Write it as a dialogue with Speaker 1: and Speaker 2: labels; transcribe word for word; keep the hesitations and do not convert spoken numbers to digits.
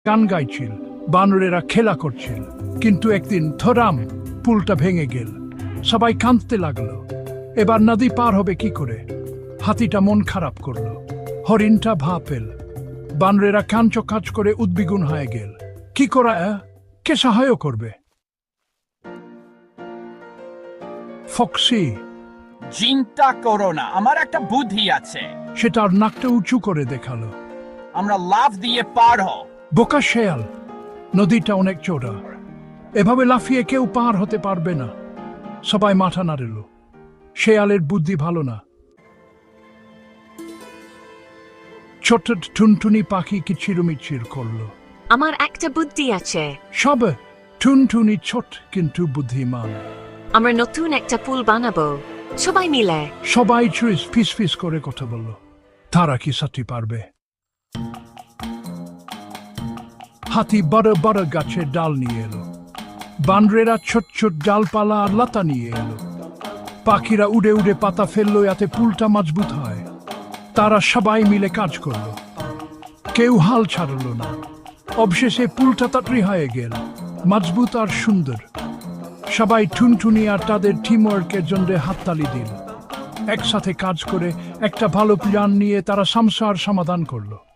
Speaker 1: গান গাইছিল, বানরেরা খেলা করছিল। কিন্তু একদিন থরাম পুলটা ভেঙে গেল। সবাই কাঁদতে লাগলো। এবার নদী পার হবে কি করে? হাতিটা মন খারাপ করলো, হরিণটা ভা পেল। বানরেরা কাঞ্চ কাজ করে উদ্বিগুন হয়ে গেল। কি করা, কে সাহায্য করবে? ফক্সি,
Speaker 2: চিন্তা করো না, আমার একটা বুদ্ধি আছে।
Speaker 1: সে তার নাকটা উঁচু করে দেখালো।
Speaker 2: আমরা লাফ দিয়ে পার হ।
Speaker 1: বোকা শেয়াল, নদীটা অনেক চওড়া, এভাবে লাফিয়ে কেউ পার হতে পারবে না। সবাই মাথা নাড়ল। শেয়ালের বুদ্ধি ভালো না। ছোট টুনটুনি পাখি কিচিরমিচির করলো।
Speaker 3: আমার একটা বুদ্ধি আছে।
Speaker 1: সব টুনটুনি ছোট কিন্তু বুদ্ধিমান।
Speaker 3: আমরা নতুন একটা পুল বানাবো, সবাই মিলে।
Speaker 1: সবাই চুইস ফিস ফিস করে কথা বলল। তারা কি সাথে পারবে? হাতি বড় বড় গাছের ডাল নিয়ে এলো। বানরেরা ছোট ছোট ডালপালা আর লতা নিয়ে এলো। পাখিরা উড়ে উড়ে পাতা ফেললো, যাতে পুলটা মজবুত হয়। তারা সবাই মিলে কাজ করলো, কেউ হাল ছাড়ল না। অবশেষে পুলটা তাড়াতাড়ি হয়ে গেল, মজবুত আর সুন্দর। সবাই টুনটুনি আর তাদের টিমওয়ার্কের জন্য হাততালি দিল। একসাথে কাজ করে একটা ভালো প্ল্যান নিয়ে তারা সমস্যার সমাধান করলো।